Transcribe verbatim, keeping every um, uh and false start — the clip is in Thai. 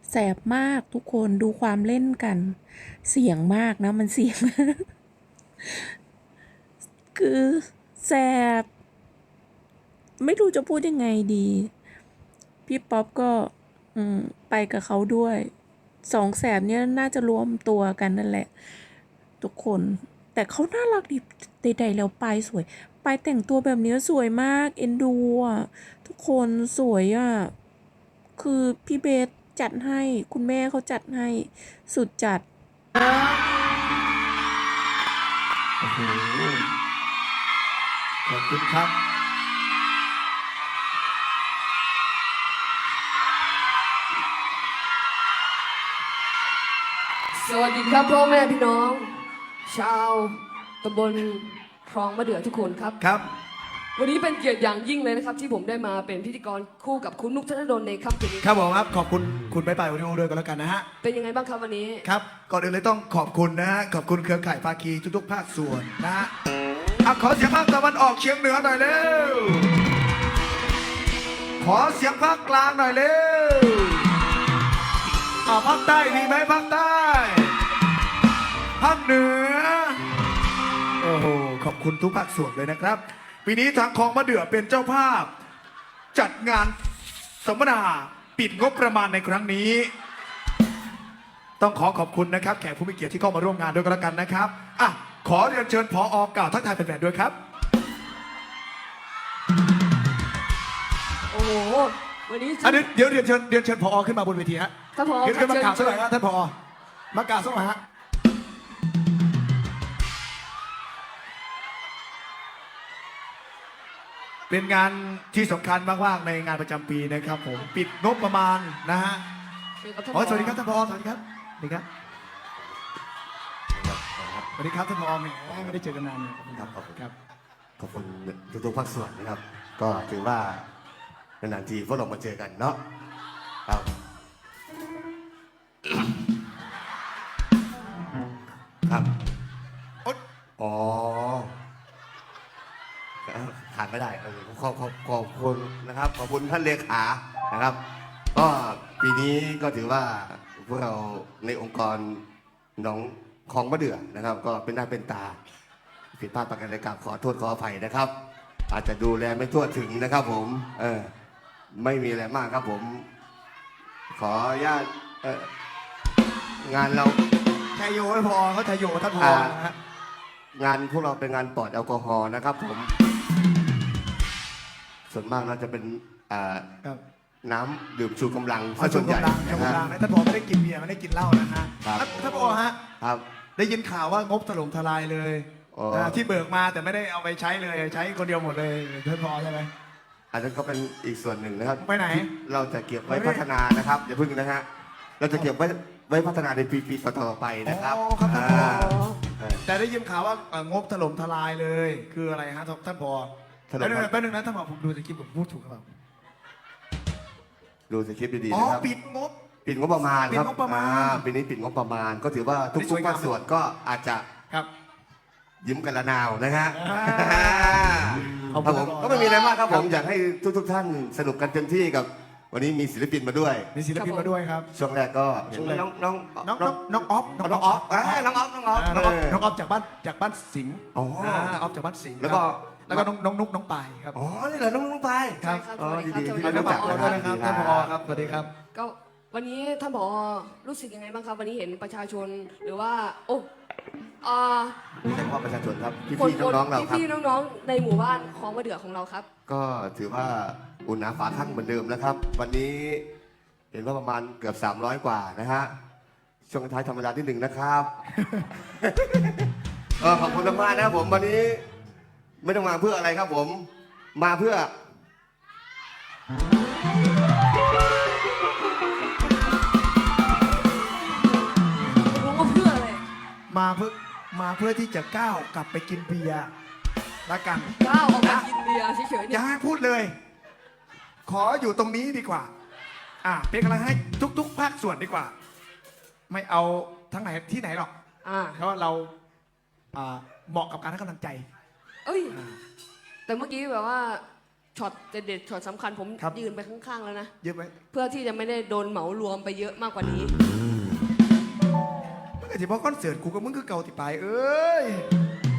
แสบมากทุกคนดูความเล่นกัน เสียงมากนะมันเสียง คือแสบไม่รู้จะพูดยังไงดี พี่ป๊อปก็อืมไปกับเขาด้วย สองแสบเนี่ยน่าจะรวมตัวกันนั่นแหละ ทุกคน แต่เขาน่ารักดีใดๆแล้วปายสวยปายแต่งตัวแบบนี้สวยมาก เอ็นดูอ่ะ ทุกคนสวยอ่ะ คือพี่เบสจัดให้ คุณแม่เขาจัดให้ สุดจัดโอ้โหขอบคุณครับสวัสดีครับพ่อแม่พี่น้อง ชาวตำบลคลองมะเดื่อทุกคนครับครับวันนี้เป็นเกียรติอย่างยิ่งเลยนะครับที่ผมได้มาเป็นพิธีกรคู่กับคุณนุกธนดลในค่ำคืนนี้ครับผมครับขอบคุณคุณไปไปวันนี้ด้วยกันแล้วกันนะฮะเป็นยังไงบ้างครับวันนี้ครับก่อนอื่นเลยต้องขอบคุณนะฮะขอบคุณเครือข่ายภาคีทุกๆภาคส่วนนะฮะอ่ะขอเสียงภาคตะวันออกเฉียงเหนือหน่อยเร็วขอเสียงภาคกลางหน่อยเร็วอ่าภาคใต้มีไหมภาคใต้ภาคเหนือโอ้โหขอบคุณทุกภาคส่วนเลยนะครับปีนี้ทางคลองมะเดื่อเป็นเจ้าภาพ จัดงานสัมมนาปิดงบประมาณในครั้งนี้ ต้องขอขอบคุณนะครับแขกผู้มีเกียรติที่เข้ามาร่วมงานด้วยกันแล้วกันนะครับอ่ะขอเรียนเชิญผออกล่าวทักทายแฟนๆด้วยครับโอ้โหวันนี้อันนี้เดี๋ยวเรียนเชิญเรียนเชิญผอขึ้นมาบนเวทีฮะท่านผอขึ้นขึ้นมากล่าวสักหน่อยเชิญนะท่านผอมากล่าวสักหน่อยฮะเป็นงานที่สำคัญมากๆในงานประจำปีนะครับผมปิดงบประมาณนะฮะเชิญครับท่านอ๋ผออสวัสดีครับท่านผอสวัสดีครับสวัสดีครับสวัสดีครับท่านผอแหมไม่ได้เจอกันนานเลยครับขอบคุณครับขอบคุณทุกๆภาคส่วนนะครับ ก็ถือว่านานๆทีพวกเรามาเจอกันเนาะครับครับโอ๊ยอ๋อขาดไม่ได้เออขอบขอบขอบคุณนะครับขอบคุณท่านเลขานะครับ ก็ปีนี้ก็ถือว่าพวกเราในองค์กรหนองคลองมะเดื่อนะครับ ก็เป็นหน้าเป็นตา ผิดพลาดประการใดกราบขอโทษขออภัยนะครับ อาจจะดูแลไม่ทั่วถึงนะครับผมเออไม่มีอะไรมากครับผม ขออนุญาตเอองานเราไทยโยไม่พอเขาไทยโยท่านผออ่านะฮะงานพวกเราเป็นงานปลอดแอลกอฮอล์นะครับผม ส่วนมากน่าจะเป็นอ่าครับน้ำดื่มชูกำลังเอาส่ชุวดนใหญ่กำลังชุดนะกำลัฮะงนะท่านผอไม่ได้กินเบียร์ไม่ได้กินเหล้านะฮะครับท่านท่านผอฮะครับได้ยินข่าวว่างบถล่มทลายเลยอ๋ออ่าที่เบิกมาแต่ไม่ได้เอาไปใช้เลยใช้คนเดียวหมดเลยท่านผอใช่ไหมอันนั้นก็เป็นอีกส่วนหนึ่งนะครับไปไหนที่เราจะเก็บไว้ไปไหนพัฒนานะครับอย่าพึ่งนะฮะเราจะเก็บไว้ไว้พัฒนาในปีๆต่อๆไปนะครับอ๋อครับท่านผออ่าแต่ได้ยินข่าวว่าเอ่องบถล่มทลายเลย คืออะไรฮะท่านผอถล่มแป๊บนึงนะแป๊บนึงนะท่านผอผมดูตะกี้ผมพูดถูกหรือเปล่าดูสคริปต์ดีๆอ๋อนะครับปิดงบปิดงบประมาณครับปิดงบประมาณอ่ปีนี้ปิดงบประมาณ ก็ถือว่าอันนี้สทุวกยๆงามภาคส่วนก็อาจจะครับยิ้มกันละนาวนะฮะอ่าครับผมก็ไม่มีอะไรมากครับผมอยากให้ทุกๆท่านสนุกกันเต็มที่กับ วันนี้มีศิลปินมาด้วยมีศิลปินมาด้วยครับช่วงแรกก็เห็นน้องน้องน้องน้องน้องออฟน้องออฟอ่าน้องออฟน้องออฟอ่าน้องออฟน้องออฟจากบ้านจากบ้านสิงห์อ๋ออ่าออฟจากบ้านสิงห์แล้วก็ครับแล้วก็น้องน้องนุ๊กน้องปายครับอ๋อนี่เหรอน้องน้องไปครับอ๋อดีๆที่แล้วได้ก็รู้ฝาจักกตัวนะด้วยนะครับท่านผอครับสวัสดีครับก็วันนี้ท่านผอรู้สึกยังไงบ้างครับ วันนี้เห็นประชาชนหรือว่า โอ้อ่านี่เฉพาะประชาชนครับคนพี่ๆน้องๆเราครับพี่ๆน้องๆในหมู่บ้านคลองมะเดื่อของเราครับก็ถือว่าอุ่นหนาฝาข้างเหมือนเดิมนะครับ วันนี้เห็นว่าประมาณเกือบสามร้อยกว่านะฮะช่วงท้ายธรรมดาที่หนึ่งนะครับ เออขอบคุณมากๆนะครับผมวันนี้ไม่ต้องมาเพื่ออะไรครับผม มาเพื่อรู้ว่าเพื่ออะไรมาเพื่อมาเพื่อที่จะก้าวกลับไปกินเบียร์ละกันก้าวออกมากินเบียร์เฉยๆอเนี่ยย่าให้พูดเลย ขออยู่ตรงนี้ดีกว่า อ่ะเป็นกำลังให้ทุก ๆ ภาคส่วนดีกว่า ไม่เอาทั้งไหนที่ไหนหรอกอ่าเพราะว่าเราอ่าเหมาะกับการให้กำลังใจเอ้ย แต่เมื่อกี้แบบว่าช็อตเด็ดๆช็อตสำคัญผมครับยืนไปข้างๆแล้วนะเยอะไหมเพื่อที่จะไม่ได้โดนเหมารวมไปเยอะมากกว่านี้มึงไอ้ที่บอกคอนเสิร์ตกูกับมึงคือเก่าติปลายเอ้ย